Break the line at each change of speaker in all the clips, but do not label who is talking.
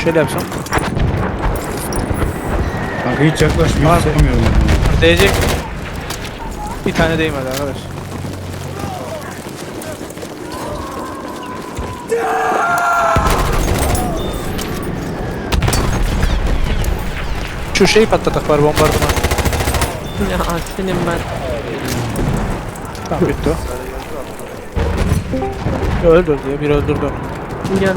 Şöyle yapsam.
Kanka hiç yaklaşmıyor.
Abi.
Sıkamıyorum.
Değecek mi? Bir tane değmedi arkadaş. Şu şeyi patlatak var, bombardıman.
Ya senin ben.
Tamam bitti o. Öldürdü ya, biri öldürdü onu.
Kim geldi?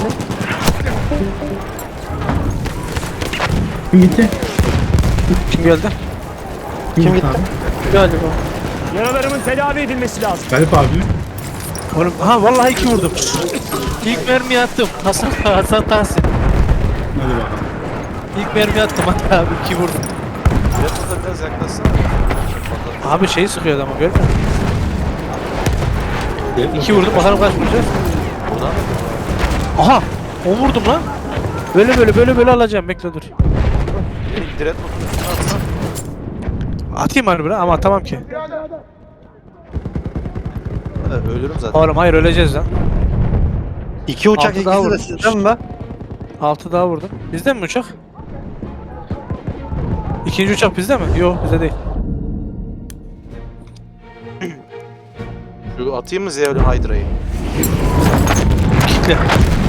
Kim gitti?
Kim geldi?
Kim gitti?
Galiba.
Yaralarımın tedavi edilmesi lazım.
Galip abi.
Oğlum, ha vallahi 2 vurdum. İlk mermiyi attım. Hasan Tahsin.
Hadi bakalım.
İlk mermiyi attım hatta abi 2 vurdum.
Yapıda biraz yaklaşsana.
Abi şeyi sıkıyor adamı görmüyor musun? 2 vurdum, bakalım kaç vuracağız.
Buradan
Aha! 10 vurdum lan. Böyle alacağım, bekle dur.
direkt oturuyorsun atsana.
Atayım harbiden ama atamam ki.
Evet, ölürüm zaten.
Oğlum hayır, öleceğiz lan.
2 uçak
Altı daha
ikisi de
vurmuş.
sizden mi be?
6 daha vurdum. Bizde mi uçak? İkinci uçak bizde mi? Yok, bizde değil.
Şu atayım mı Zevlin Hydra'yı?
Kitle.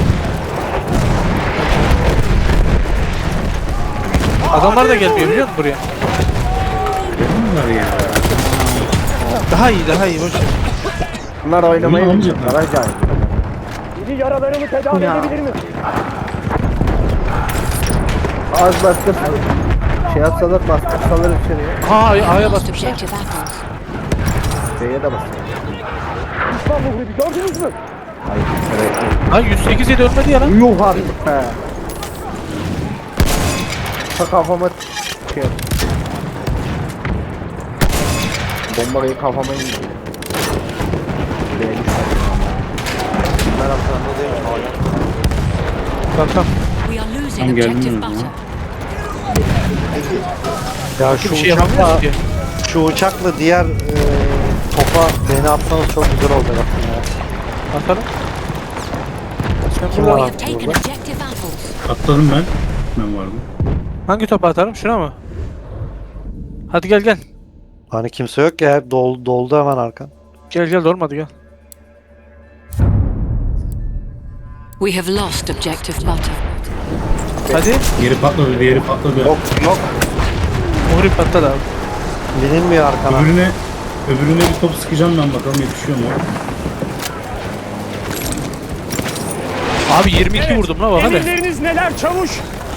Adamlar da gelmiyor biliyor musun buraya?
Bunlar ya.
Daha iyi boş ver.
Bunlar oynamayı
Bunu
bilmiyorlar acayip.
Biri yaralarımı tedavi
Ya.
edebilir mi?
Az bastır. Şey atsalar bastırsalar içeriye.
Aha A'ya
Lost
basmışlar.
objective apples.
C'ye de bastır.
Düşman muhribi gördünüz mü?
Ha 108 yedi ölmedi ya lan.
Yuh artık be. Ta kafama şey yap. Bombayı kafama indi. Buraya düşer.
Ben arkanda değilim hala.
Tamam.
We are losing
Tam geldim
objective
ben
butter.
Ya
Bir şey yapamıyoruz ki.
şu uçakla diğer topa beni atsanız çok güzel olacak aslında ya.
Atalım. Sen
Kim
burada
We
var?
have taken objective apples.
Atladım ben. Ben vardım.
hangi topa atalım? Şuna mı? Hadi gel.
Hani kimse yok ya, hep doldu hemen arkan.
Gel olmadı gel.
We have lost objective butter.
Hadi.
Yeri patladı, diğeri patladı.
Yok.
Muhrip patladı abi.
Bilinmiyor arkana.
Öbürüne bir top sıkacağım ben, bakalım yetişiyor mu?
Abi 22 vurdum la bak hadi.
Emirleriniz neler çavuş?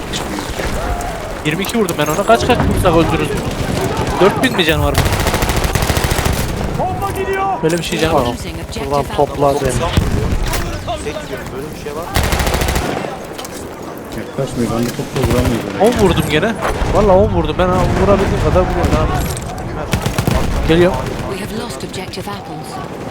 22 vurdum ben ona. Kaç vursak öldürürüz. 4000 mi can var bu?
Bomba gidiyor.
Böyle bir şey can var.
Losing objective
Ulan
apples.
toplar beni.
Tek gidiyorum böyle bir şey var.
Yaklaşmıyor, ben de topla vuramıyorum.
10 vurdum gene. Vallahi 10 vurdum. Ben vurabildiğim kadar vuruyorum abi. Geliyor.
We have lost objective apples.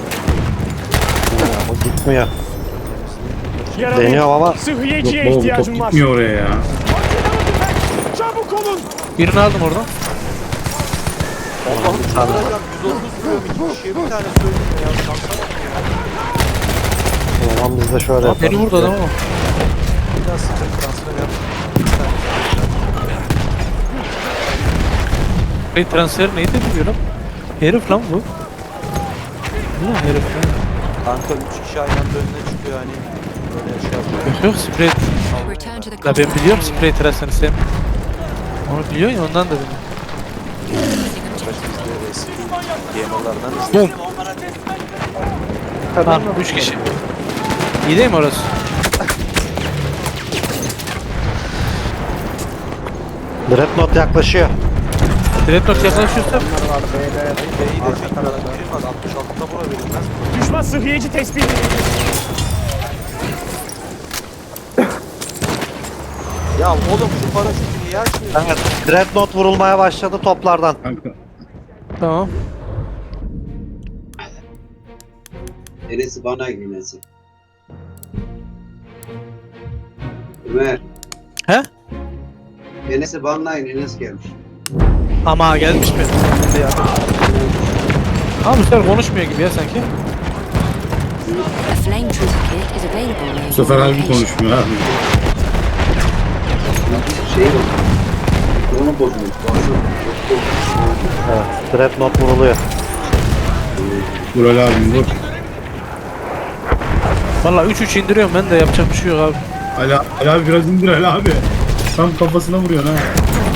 O gitmiyor.
Yaralı.
Deniyorum ama
Sıhhiyeciye
Yok baba, bu top
ihtiyacım var.
gitmiyor oraya ya.
Çabuk olun.
Birini aldım oradan.
Allah'ım şu kadar 130 vuruyorum iki kişiye bir tane söyleyeyim ya. Şansa bak ya.
o zaman biz de şöyle yapalım.
Beni vurdu adam ama.
Bir daha sıcak transfer yap.
Transfer neydi biliyorum. Herif lan bu. Ne herif lan?
Kanka 3 kişi aynı anda önüne çıkıyor hani. Böyle şey yapıyor.
Yok sprey.
Return to the
La ben
combat
biliyorum
area.
sprey transferini sen. Onu biliyorsun ya ondan da biliyorum.
Losing objective.
Biz de eski gamerlardan izliyoruz.
Bum. Tamam 3 kişi. İyi değil mi orası?
Dreadnought yaklaşıyor.
Dreadnought yaklaşıyorsa
B'yi de çekmeden verilmez. 66'da bura verilmez.
Düşman sıhhiyeci tespit edildi.
Ya oğlum şu paraşütü niye açmıyorsun?
Evet, Dreadnought vurulmaya başladı toplardan.
Kanka.
tamam.
Neresi bana girmesi? Ömer.
He?
Enes'e banlayın, Enes gelmiş.
Ama gelmiş mi? Ya. Abi bu sefer konuşmuyor gibi ya sanki.
A flame trooper kit is available near
Bu sefer
your
harbi
location.
konuşmuyor abi.
Şey var. Onu bozmuş.
Evet. Dreadnought vuruluyor.
Vural abim vur.
Valla 3-3 indiriyorum ben de yapacak bir şey yok abi.
Ali abi biraz indir Ali abi. Tam kafasına vuruyorsun ha.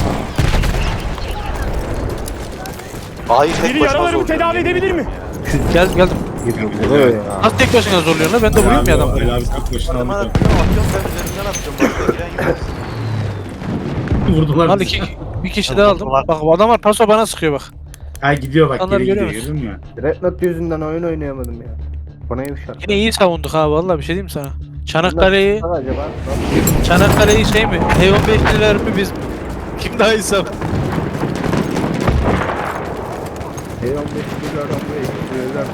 Hayır tek
Biri
başına
yaralarımı
zorluyor.
tedavi edebilir mi?
Geldim.
Evet.
Nasıl tek başına zorluyorsun lan? Ben de vuruyorum ya adamı.
Ali abi tek başına
Hemen
aldı.
atıyorum ben üzerinden atıyorum. Başka giren yok.
Vurdular
Al
bizi.
bir kişi daha aldım. Bak bu adamlar paso bana sıkıyor bak.
Ha gidiyor bak
İnsanlar
geri gidiyor
görüyor
gördün mü?
Dreadnought yüzünden oyun oynayamadım ya. Bana yumuşak.
Yine iyi savunduk ha vallahi bir şey diyeyim sana. Çanakkale'yi
Acaba?
Çanakkale'yi şey mi? T-15'liler mi biz mi? Kim daha iyi savundu?
T-15 bir adam bu ekliyorlar.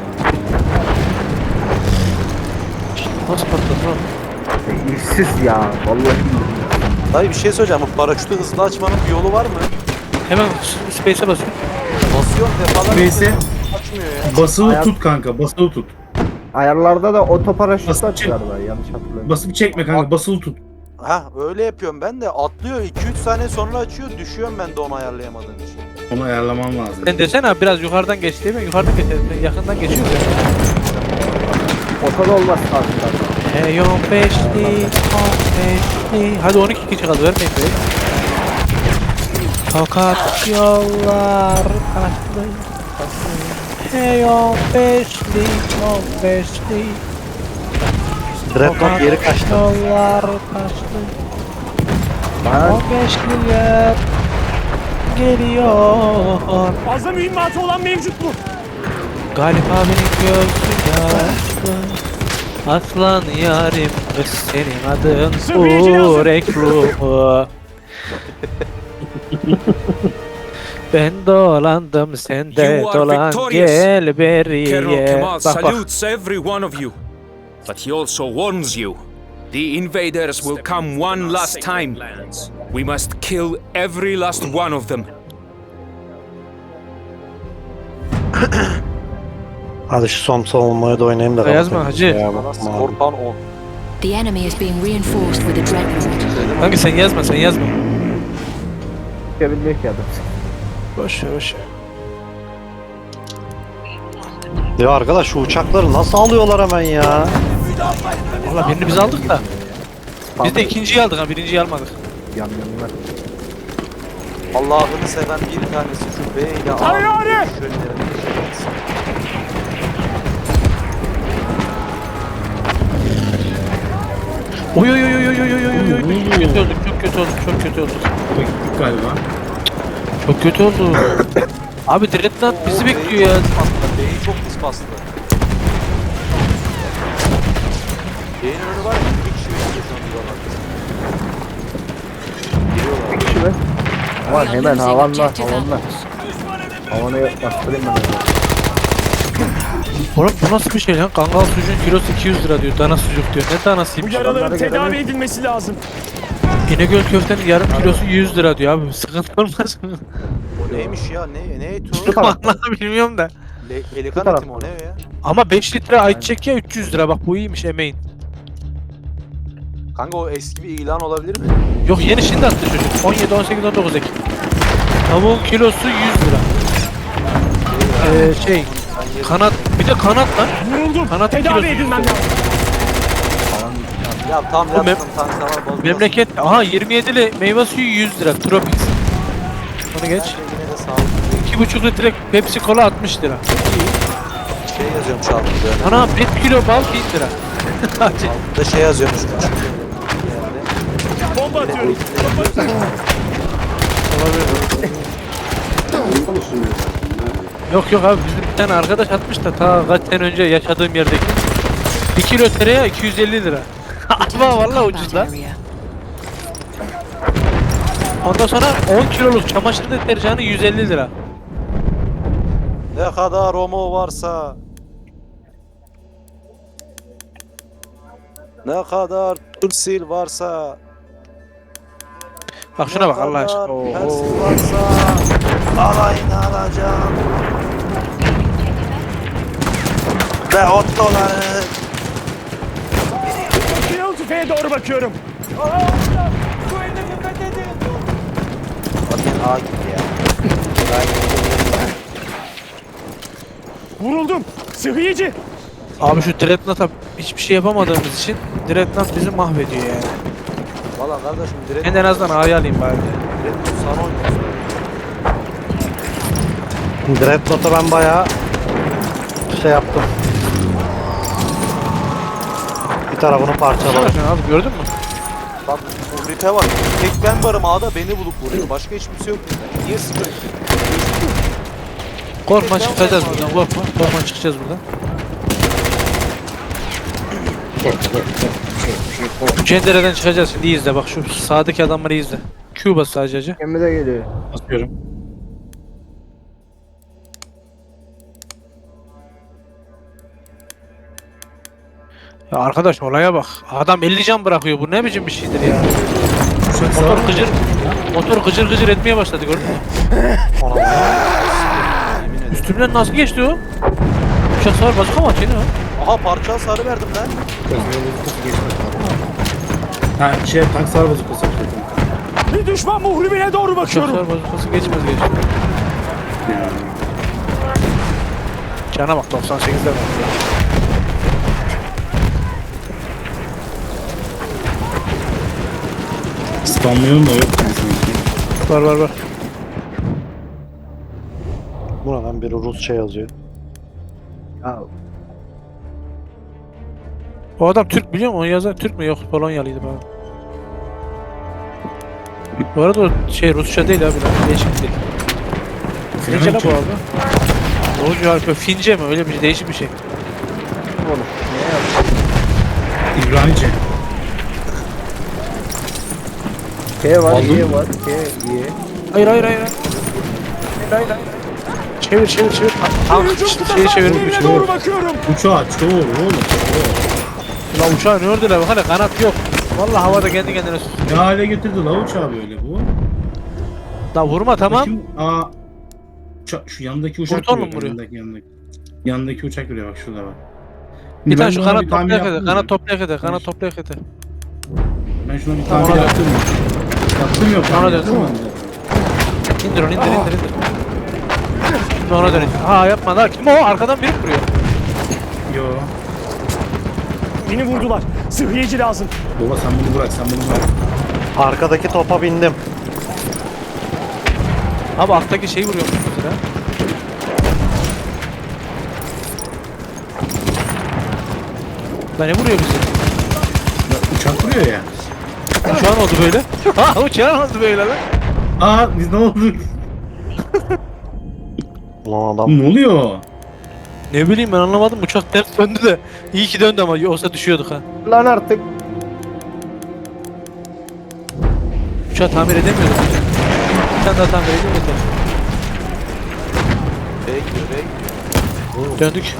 Nasıl patladı lan?
İşsiz ya. Vallahi bilmiyorum.
Dayı bir şey söyleyeceğim. Bu paraşütü hızlı açmanın bir yolu var mı?
Hemen space'e basıyorum.
Basıyorum defalarca.
Neyse.
Açmıyor ya.
Basılı
Ayak-
tut kanka basılı tut.
Ayarlarda da otoparaşüt
Basıp
açıyorlar ben yanlış hatırlamıyorum.
Basıp çekme kanka basılı tut.
Ha öyle yapıyorum ben de atlıyor 2-3 saniye sonra açıyor düşüyorum ben de onu ayarlayamadığım için.
Onu ayarlaman lazım.
Sen desene abi biraz yukarıdan geç değil mi? Yukarıdan geçelim. Yakından geçiyoruz ya.
Otoda olmaz aslında.
T-15'li, 15'li. Hadi 12 kişi kaldı vermeyin be. Fakat yollar taşlı. T-15'li, 15'li.
Dreadnought geri kaçtı.
Yollar taşlı.
Ben
15'liler geliyor.
Fazla mühimmatı olan mevcut mu?
Galip abinin gözü yaşlı. Aslan yarim kız senin adın
Sıhhiyeci lazım.
Ureklu. Ben dolandım sen de
You are
dolan
victorious.
gel
Colonel
beriye.
Kemal
Bak bak.
salutes every one of you, but he also warns you. The invaders will come one last time. We must kill every last one of them.
Hadi şu son savunmayı da oynayayım da.
Yazma
kapatayım.
hacı.
Ya,
Bana
malum.
Skorpan 10.
The enemy is being reinforced with a dreadnought.
Kanka sen yazma sen yazma.
bilmiyor ki adam.
Boş ver boş ver.
Ya arkadaş şu uçakları nasıl alıyorlar hemen ya?
Valla birini biz aldık da. Biz de ikinciyi aldık ha birinciyi almadık.
Yanlarına.
Allah'ını seven bir tanesi şu B ile A.
Tayyare!
Oy oy oy oy oy oy oy oy oy. Çok kötü olduk çok kötü olduk çok kötü olduk.
Bak gittik galiba.
Çok kötü oldu. Abi Dreadnought bizi bekliyor ya.
B'yi çok pis bastı. B'nin önü var ya bir kişi bekliyor şu an duvar arkasında. Giriyorlar.
Kişi mi? Aman
We are
hemen
losing
havanla
objective
havanla.
apples.
Havanı bastırayım ben.
Oğlum bu nasıl bir şey lan? Kangal sucuğun kilosu 200 lira diyor. Dana sucuk diyor. Ne
Bu
danasıymış?
yaraların
Adamları
tedavi
görelim.
edilmesi lazım.
İnegöl köftenin yarım kilosu 100 lira diyor abi. Sıkıntı olmaz mı?
O neymiş ya? Ne eti o?
Vallahi bilmiyorum da.
Pelikan
taraf.
eti mi o ne ya?
Ama 5 litre ayçiçek ya 300 lira. Bak bu iyiymiş emeğin.
Kanka o eski bir ilan olabilir mi?
Yok yeni şimdi attı çocuk. 17, 18, 19 Ekim. Tavuğun kilosu 100 lira. Kanat bir de kanat lan.
Vuruldum.
Kanat
Tedavi
kilosu
edilmem
yüzde.
lazım.
Ya tam
Oğlum
yaptım tansiyon var bozulmasın.
Memleket aha 27'li meyve suyu 100 lira. Tropix. Onu geç.
Yine de sağlıklı
2,5 litre Pepsi Cola 60 lira.
şey yazıyormuş altında.
Ana 1 kilo bal 1000 lira.
Altında şey yazıyormuş.
Bomba atıyorum.
Biliyor musun?
Yok yok abi bizim bir tane arkadaş atmış da ta kaç sene önce yaşadığım yerdeki 1 kilo tereyağı 250 lira.
Return
Ama
to
vallahi
combat
ucuz lan.
area.
Ondan sonra 10 kiloluk çamaşır deterjanı 150 lira.
Ne kadar Romo varsa. Ne kadar Tursil varsa.
Bak şuna bak Allah aşkına.
Persil varsa. Alayını alacağım. Ve otloları.
Silahlı tüfeğe doğru bakıyorum.
Bu hedefi fethedin.
Zaten A gitti ya.
Vuruldum. Sıhhiyeci.
Abi şu Dreadnought'a hiçbir şey yapamadığımız için Dreadnought bizi mahvediyor yani.
Valla kardeşim direkt
Ben de en azından A'yı alayım bari.
sana oynuyorsun.
Dreadnought'a ben bayağı şey yaptım. Bir tarafını parçaladım.
Bakın abi gördün mü?
Bak bu rite var. Tek ben varım A'da beni bulup vuruyor. Başka hiç kimse yok bizde. Niye sıkıyorsun?
Korkma çıkacağız buradan korkma. Korkma çıkacağız buradan. Bu cendereden çıkacağız şimdi iyi izle bak şu sağdaki adamları izle. Q bas sadece hacı.
Gemi de geliyor.
Basıyorum.
Ya arkadaş olaya bak. Adam 50 can bırakıyor bu ne biçim bir şeydir ya. Motor gıcır gıcır etmeye başladı gördün mü? Üstümden nasıl geçti o? Uçak sağır bazıka mı atıyor ne o?
Aha parça hasarı verdim lan.
Ha tank sağır bozukası.
Bir düşman muhribine doğru
Uçak
bakıyorum.
sağır bazukası geçmez geçti. Cana bak 98'de bak ya.
Spamlıyorum da yok yani sanki.
Var.
Buradan biri Rusça yazıyor.
Ya
O adam Türk biliyor musun? Onu yazan Türk mü? Yok Polonyalıydı bana. Bu arada o şey Rusça değil abi lan. Değişik değil. Fince la bu abi. Doğucu harika. Fince mi? Öyle bir şey. Değişik bir şey.
İbranice.
K var,
Aldın
Y
mı?
var, K, Y.
Hayır. Çevir. Tamam.
Hücum
Şeyi
tutan
çevir.
muhribine doğru bakıyorum.
Uçağı çoğul oğlum.
La uçağı ne ördüler bak hala kanat yok. Vallahi havada kendi kendine sus.
Ne hale getirdi la uçağı böyle bu?
Da vurma tamam.
Bakayım, şu yandaki uçak
Kurtar mı
vuruyor.
vuruyor?
Yandaki uçak vuruyor bak şurada bak.
Bir tane
Ben
şu
buna
kanat
bir tamir
toplayak ede.
yaptım
Kanat
mı?
toplayak ede. Kanat toplayak ede.
Ben şuna bir
Tamam,
tamir
hadi.
yaptım mı? Yaptım yok.
Ona
tamir
döndü.
yaptım mı?
İndir onu indir. Şimdi ona dönün. Ha yapma la. Kim o? Arkadan biri vuruyor.
Yo.
Beni vurdular. Sıhhiyeci lazım.
Baba sen bunu bırak
Arkadaki topa bindim.
Abi alttaki şeyi vuruyor mesela. La ne vuruyor bizi?
Uçak vuruyor ya.
Şu an oldu böyle. Ha uçağın oldu böyle lan.
Biz ne olduk?
Ulan adam
Ne oluyor?
Ne bileyim ben anlamadım uçak ters döndü de. İyi ki döndü ama yoksa düşüyorduk ha.
Lan artık.
Uçağı tamir edemiyorduk. Bir tane daha tamir edeyim yeter.
B'ye gidiyor.
Döndük.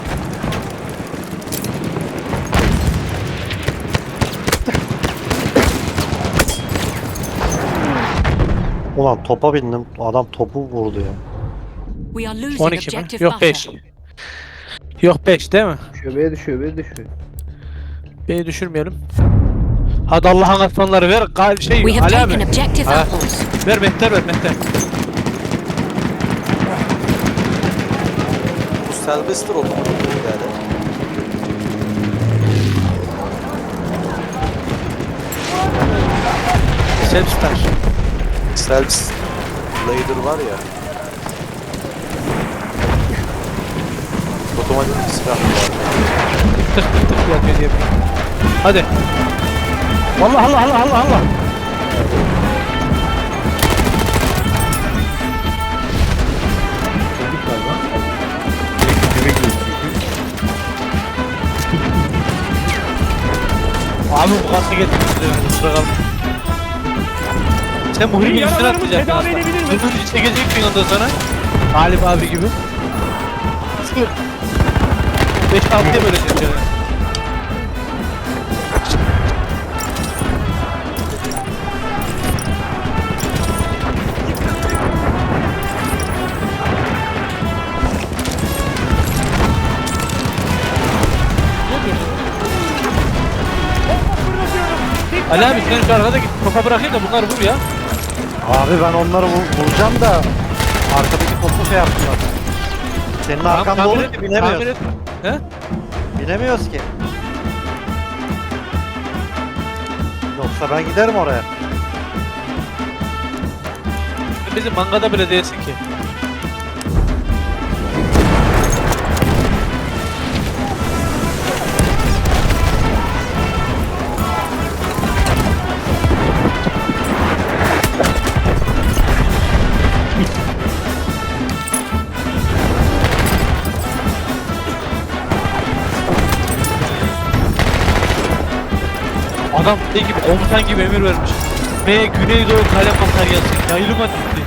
ulan topa bindim. Adam topu vurdu ya.
We are losing
12 mi?
objective
Yok 5.
butter.
Yok 5 değil mi?
B'ye düşüyor, B'ye düşüyor.
Beni düşürmeyelim. Hadi Allah'ın aslanları ver. Şey
We have
Ali
taken
abi.
objective
Ha.
apples.
Ver mehter.
Bu serbesttir otomatik birader.
Self-star.
Self Lader var ya. Otomatik bir silah var.
Tık yapıyor diye. Hadi. Allah.
Geldik galiba. Eve gidiyoruz çünkü.
Abi bu kası getirmişler. Kusura kalma. Sen bu hırgın üstüne
Yaralarımı
atlayacaksın
tedavi
aslında.
edebilir miyim?
Hırgın üstüne çekeceksin ondan sonra. Galip abi gibi. Sıkır. 5-6'ya böleceğim canım. Ali abi sen şu arkada git topa bırakayım da bunları vur ya.
Abi ben onları vuracağım da arkadaki topu şey yaptılar. Senin arkanda
Tamir
olunca
et,
binemiyoruz.
tamir et. He?
Binemiyoruz ki. Yoksa ben giderim oraya.
Bizim mangada bile değilsin ki. Adam şey gibi, komutan gibi emir vermiş. Ve Güneydoğu kalem materyalsin. Yayılma gitti.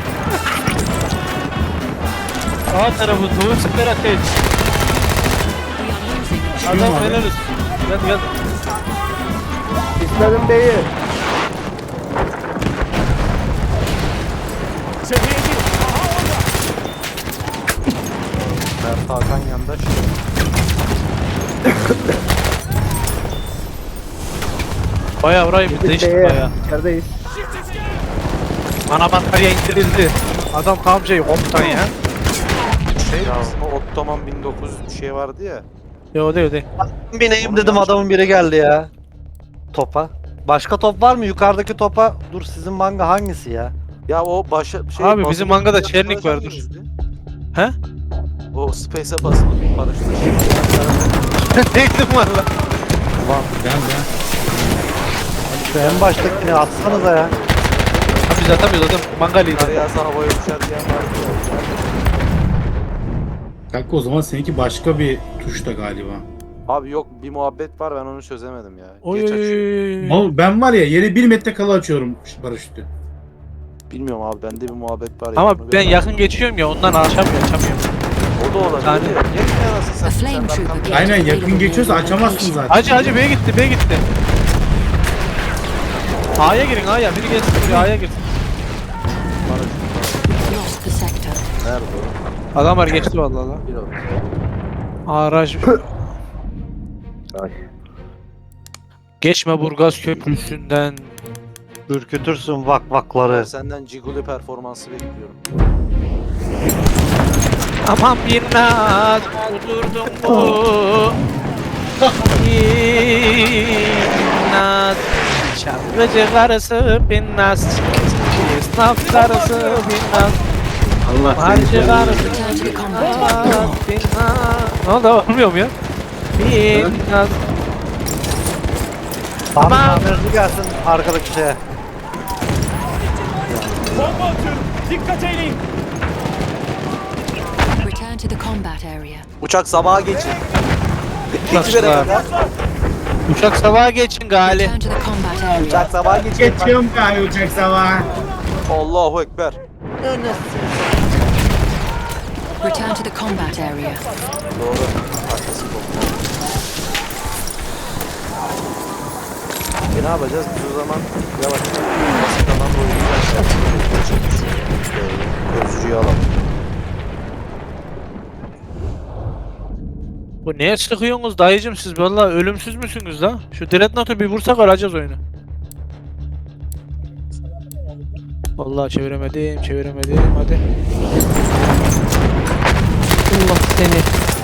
Sağ tarafı doğu siper ateş. Adam helal olsun. Gel.
İsmail'in beyi.
Sıhhiyeci. Aha orada.
Mert Hakan yandaş.
Bayağı orayı bir değiştik
Beye.
bayağı.
İçerideyiz.
Ana batarya indirildi. Adam tam şey komutan ya.
Şey o Ottoman 1900 bir şey vardı ya.
Yo değil.
Bineyim dedim adamın biri geldi ya. Topa. Başka top var mı? Yukarıdaki topa. Dur sizin manga hangisi ya?
Ya o başa şey
Abi
basılı
bizim mangada
bir
Çernik
yapılan
var, dur.
hangisi?
He?
O Space'e basılı bir paraşüt.
Neydim valla.
Şu en baştakini atsanıza ya.
Abi biz atamıyoruz adam mangalıydı.
Kar yağsa havaya uçar diyen vardı ya.
Kanka o zaman seninki başka bir tuşta galiba.
Abi yok bir muhabbet var ben onu çözemedim ya.
Oy.
Geç açıyor.
Oğlum ben var ya yere 1 metre kala açıyorum paraşütü.
Bilmiyorum abi bende bir muhabbet var ya. onu
Ama ben
bilmiyorum.
yakın geçiyorum ya ondan açamıyorum.
O da olabilir.
Yani-
Geçme anasını
A
satayım.
flame
Sen
trooper
arkamda-
gate
Aynen
available
yakın geçiyorsa
near your
açamazsın
location.
zaten.
Hacı B'ye gitti. A'ya girin A'ya. Biri gelsin buraya A'ya girsin.
Lost the sector.
Nerede o?
Adamlar geçti vallahi lan.
Bir oldu.
Araj.
Ay.
Geçme Burgaz Köprüsü'nden.
Ürkütürsün vakları.
Ben senden Ciguli performansı bekliyorum.
Aman bir naz vurdurdun mu? Bir naz. Şarkıcı karısı bir naz. Esnaf karısı bir naz.
Allah
Harcı karısı
Return to the combat area.
bir naz. Ne oldu olmuyor mu ya? Bir naz.
Tamam.
Tamam.
Tamirci gelsin arkadaki şeye.
Bomba atıyorum. Dikkat eyleyin.
Return to the combat area.
Uçak sabaha geçin.
Uçak
İkinci
sabaha.
kadar.
Uçak sabaha geçin gali.
Return to the combat area.
Uçak sabaha geçin.
Geçiyorum galiba uçak sabah.
Allahu Ekber.
Return to the combat area.
Doğru. Arkası kopma. Ne yapacağız? Biz o zaman yavaş basit alan oynayacağız. Gözcüyü alalım.
Bu neye sıkıyorsunuz dayıcım siz? Vallahi ölümsüz müsünüz la? Şu Dreadnought'u bir vursak alacağız oyunu. Vallahi çeviremedim hadi.
Allah seni.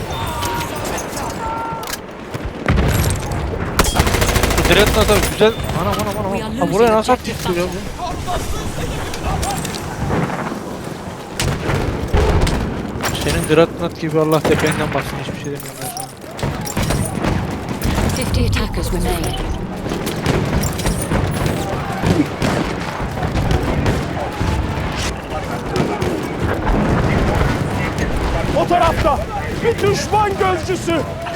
Şu Dreadnought'a güzel... Anam. Ha, buraya nasıl attık ya bu? Senin Dreadnought gibi Allah tependen baksın hiçbir şey demiyorum ben sana.
50 attackers remain.
O tarafta. Bir düşman gözcüsü.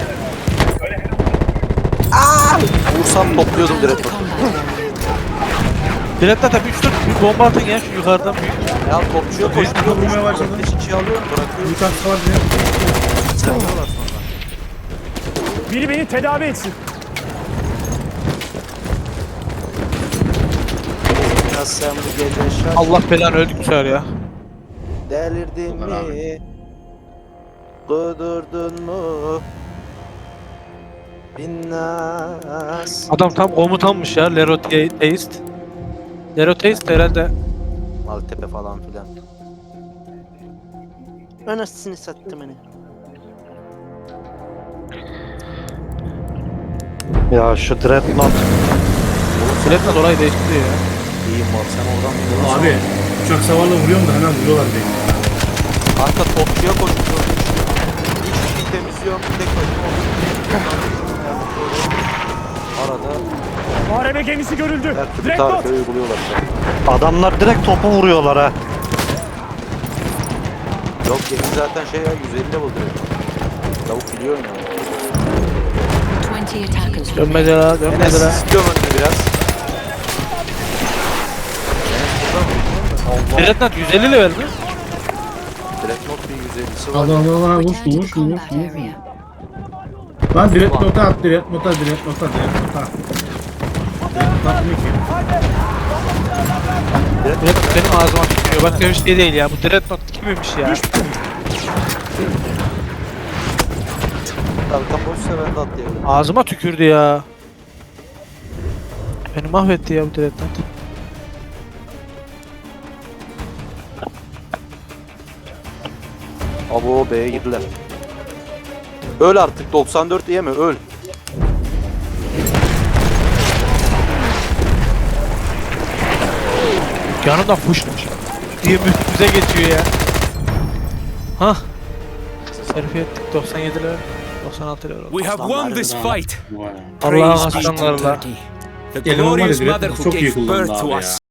Vursam topluyordum
Return to
direkt.
the combat area.
Dreadnought'a 3-4 bir bomba atın ya şu yukarıdan büyük.
Ya topçuya koşturuyor.
vurmaya başladı.
Çiçeği alıyorum bırakıyorum.
Uçak sabah diye.
Seviyorlar sonra.
Biri beni tedavi etsin.
Ya sen bu gece şaş.
Allah belanı öldük bu sefer ya.
Delirdin
Allah
mi? Kudurdun mu?
Binnas.
Adam tam komutanmış ya, Leroteist. Leroteist herhalde.
Maltepe falan filan. Anasını sattım hani. Ya şu Dreadnought.
Sürekli dolayı değiştiriyor ya.
İyiyim var sen oradan mı?
Abi uçak savarla vuruyorum da hemen vuruyorlar beni.
Kanka topçuya koşuyorum. Hiçbir şey temizliyorum. Tek başıma arada
Muharebe gemisi görüldü.
Her türlü
Dreadnought.
tarife uyguluyorlar. Adamlar direkt topu vuruyorlar ha.
yok gemi zaten şey ya 150 level direkt. Tavuk biliyor ya.
20 attackers
Dönmedi la,
Enes
dönmedi la.
istiyorum önünü biraz. Allah.
Dreadnought 150 level mi?
Dreadnought bir 150'si var.
Allah Allah Allah
return
vursun
to the
vursun
combat
vursun.
area.
Lan direkt nota at direkt nota direkt nota direkt nota. Direkt nota ne ki?
Dreadnought benim ağzıma tükürüyor. Başka bir şey değil ya. Bu Dreadnought kimmiş ya?
Arkam boşsa ben de atlayabilirim.
Ağzıma tükürdü ya. Beni mahvetti ya bu Dreadnought.
Abo B'ye girdiler. Öl artık 94 yeme öl.
Yanımdan fuşmuş. Diye üstümüze geçiyor ya. Hah. Serfi ettik 97 level. 96 level oldu.
We have won this fight.
Vay.
Allah'ın
Praise be to
aslanlarla.
Turkey, the
Eleman var ya
glorious
direkt
mother who
çok iyi
gave
kullandı
birth to
abi ya.
us.